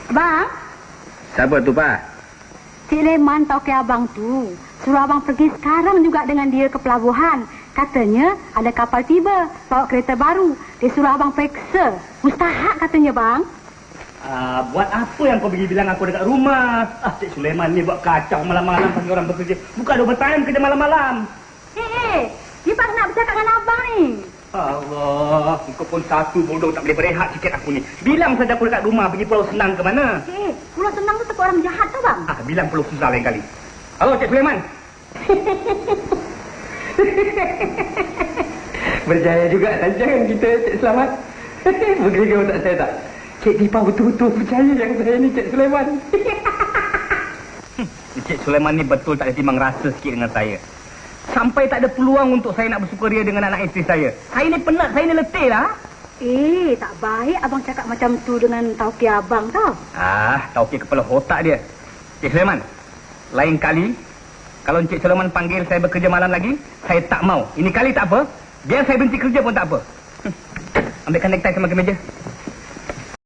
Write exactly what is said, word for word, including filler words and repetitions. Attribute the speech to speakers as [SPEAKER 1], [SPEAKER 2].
[SPEAKER 1] Bang?
[SPEAKER 2] Siapa tu, Pak?
[SPEAKER 1] Cik Leman tahu ke abang tu. Suruh abang pergi sekarang juga dengan dia ke pelabuhan. Katanya ada kapal tiba, bawa kereta baru. Dia suruh abang periksa. Mustahak katanya, bang.
[SPEAKER 3] Uh, buat apa yang kau pergi bilang aku dekat rumah? Ah, Cik Sulaiman ni buat kacau malam-malam pagi orang bekerja. Bukan overtime kerja malam-malam.
[SPEAKER 1] Eh, eh. Dia pak nak bercakap dengan abang ni.
[SPEAKER 3] Allah, kau pun satu bodoh tak boleh berehat sikit aku ni. Bilang saja aku dekat rumah pergi Pulau Senang ke mana?
[SPEAKER 1] Eh, Pulau Senang tu tempat orang jahat tu, bang.
[SPEAKER 3] Ah, bilang Pulau Susah lain kali. Halo, Cik Sulaiman.
[SPEAKER 2] Berjaya juga rancangan kita, Cik Selamat. Bergega tak saya tak? Cik Dipa betul-betul percaya yang saya ni, Cik Sulaiman.
[SPEAKER 3] Cik Sulaiman ni betul tak ada timbang rasa sikit dengan saya. Sampai tak ada peluang untuk saya nak bersukaria dengan anak isteri saya. Saya ni penat, saya ni letih lah.
[SPEAKER 1] Eh, tak baik abang cakap macam tu dengan tauke abang tau.
[SPEAKER 3] Ah, tauke kepala otak dia. Cik Sulaiman, lain kali kalau Cik Sulaiman panggil saya bekerja malam lagi, saya tak mau. Ini kali tak apa. Biar saya berhenti kerja pun tak apa. Ambilkan necktie sama ke meja.